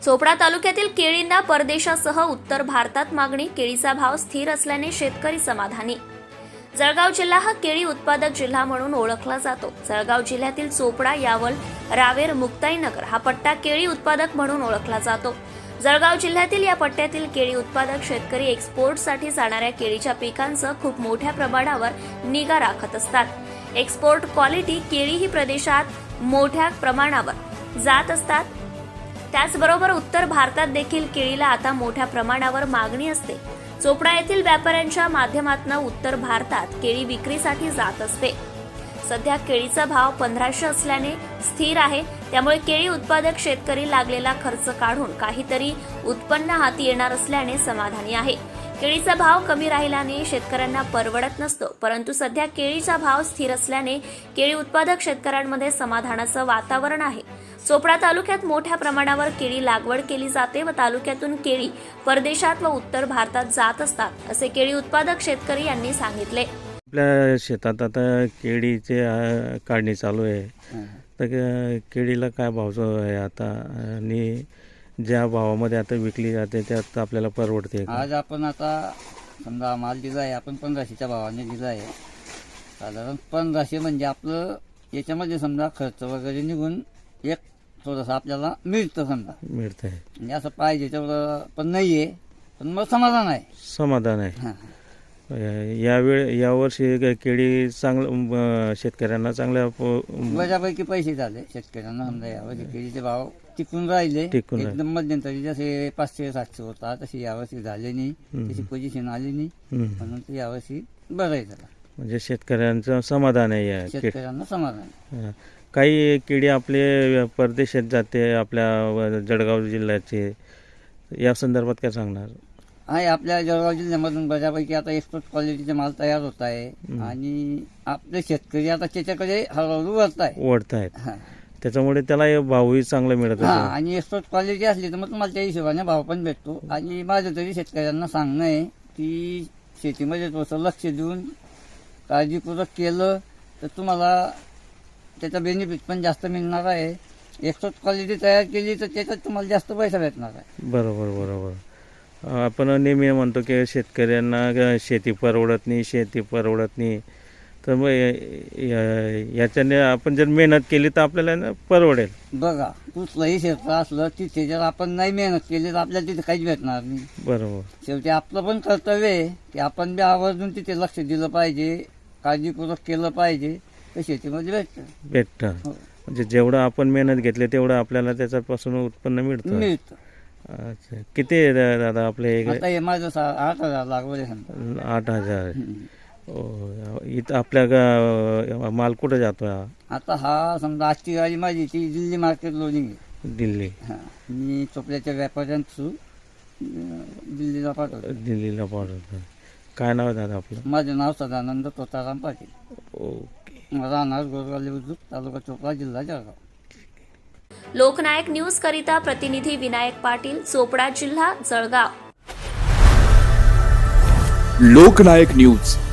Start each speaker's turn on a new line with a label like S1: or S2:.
S1: चोपडा तालुक्यातील केळींना परदेशासह उत्तर भारतात मागणी, केळीचा भाव स्थिर असल्याने शेतकरी समाधानी। जळगाव जिल्हा हा केळी उत्पादक जिल्हा म्हणून ओळखला जातो। जळगाव जिल्ह्यातील चोपडा, यावल, रावेर, मुक्ताईनगर हा पट्टा केळी उत्पादक म्हणून ओळखला जातो। जळगाव जिल्ह्यातील या पट्ट्यातील केळी उत्पादक शेतकरी एक्सपोर्टसाठी जाणाऱ्या केळीच्या पिकांचं खूप मोठ्या प्रमाणावर निगा राखत असतात। एक्सपोर्ट क्वालिटी केळी ही प्रदेशात मोठ्या प्रमाणावर जात असतात। त्याचबरोबर उत्तर भारतात देखील केळीला आता मोठ्या प्रमाणावर मागणी असते। चोपडा येथील व्यापाऱ्यांच्या माध्यमातून उत्तर भारतात केळी विक्रीसाठी जात असते। सध्या केळीचा भाव 1500 असल्याने स्थिर आहे, त्यामुळे केळी उत्पादक शेतकरी लागलेला खर्च काढून काहीतरी उत्पन्न हाती येणार असल्याने समाधानी आहे। केळीचा भाव कमी राहिल्याने शेतकऱ्यांना परवडत नसतो, परंतु सध्या केळीचा भाव स्थिर असल्याने केळी उत्पादक शेतकऱ्यांमध्ये समाधानाचं वातावरण आहे। चोपडा तालुक्यात मोठ्या प्रमाणावर केळी लागवड केली जाते व तालुक्यातून केळी परदेशात व उत्तर भारतात जात असतात, असे केळी उत्पादक शेतकरी यांनी सांगितले।
S2: आपल्या शेतात आता केळीचे काढणी चालू आहे, तर केळीला काय भाव आहे आता आणि ज्या भावामध्ये आता विकली जाते त्यात आपल्याला परवडते का?
S3: आज आपण आता समजा माल दिला आहे, आपण 1500च्या भावाने दिला आहे। साधारण 1500 म्हणजे आपलं याच्यामध्ये समजा खर्च वगैरे निघून एक थोडंसं आपल्याला मिळतं, समजा
S2: मिळतंय
S3: म्हणजे असं पाहिजे तेवढं पण नाही आहे, पण मग समाधान आहे।
S2: समाधान आहे। यावर्षी केळी चांगलं शेतकऱ्यांना चांगल्या
S3: बऱ्यापैकी पैसे झाले शेतकऱ्यांना, समजा यावर्षी केळीचे भाव टिकून राहिले। एकदम मध्यंतरी जसे 500-700 होता तशी यावर्षी झाले नाही, तशी पोझिशन आली नाही, म्हणून ते यावर्षी बरं आहे झालं,
S2: म्हणजे शेतकऱ्यांचं समाधान आहे।
S3: शेतकऱ्यांना समाधान।
S2: काही केळी आपले परदेशात जाते, आपल्या जळगाव जिल्ह्याचे, या संदर्भात काय सांगणार
S3: आहे? आपल्या जळगाव जिल्ह्यामधून बऱ्यापैकी आता एक्सपोर्ट क्वालिटीचे माल तयार होत आहे आणि आपले शेतकरी आता त्याच्याकडे हळूहळू वळत आहेत।
S2: त्याच्यामुळे त्याला भावही चांगला मिळत आहे
S3: आणि एक्सपोर्ट क्वालिटी असली तर मग तुम्हाला त्या हिशोबाने भाव पण भेटतो। आणि माझं तरी शेतकऱ्यांना सांगणं आहे की शेतीमध्ये थोडंसं लक्ष देऊन काळजीपूर्वक केलं तर तुम्हाला त्याचा बेनिफिट पण जास्त मिळणार आहे। एक्सपोर्ट क्वालिटी तयार केली तर त्याच्यात तुम्हाला जास्त पैसा भेटणार आहे।
S2: बरोबर। आपण नेहमी म्हणतो की शेतकऱ्यांना शेती परवडत नाही, तर मग याच्याने आपण जर मेहनत केली तर आपल्याला परवडेल।
S3: बघा, कुठलंही क्षेत्र असलं तिथे जर आपण नाही मेहनत केली तर आपल्याला तिथे काहीच भेटणार नाही।
S2: बरोबर।
S3: शेवटी आपलं पण कर्तव्य आहे की आपण बी आवर्जून तिथे लक्ष दिलं पाहिजे, काळजीपूर्वक केलं पाहिजे, तर शेतीमध्ये भेटतं।
S2: म्हणजे जेवढं आपण मेहनत घेतली तेवढं आपल्याला त्याच्यापासून उत्पन्न मिळतं। अच्छा, किती आहे दादा आपले?
S3: आता हे माझं 8,000 लागवड आहे।
S2: 8,000। इथं आपल्या माल कुठं जातो?
S3: आता हा समजा आजची गाडी माझी ती दिल्ली मार्केट लोडिंग आहे।
S2: दिल्ली?
S3: मी चोपड्याच्या व्यापाऱ्यांथ्रू दिल्लीला पाठवतो।
S2: काय नाव आहे दादा आपलं?
S3: माझं नाव सदानंद तोताराम पाटील।
S2: ओके।
S3: राहणार गोरगावले बुद्रुक, तालुका चोपडा, जिल्हा जळगाव।
S1: लोकनायक न्यूज करिता प्रतिनिधी विनायक पाटील, चोपडा, जिल्हा जळगाव।
S4: लोकनायक न्यूज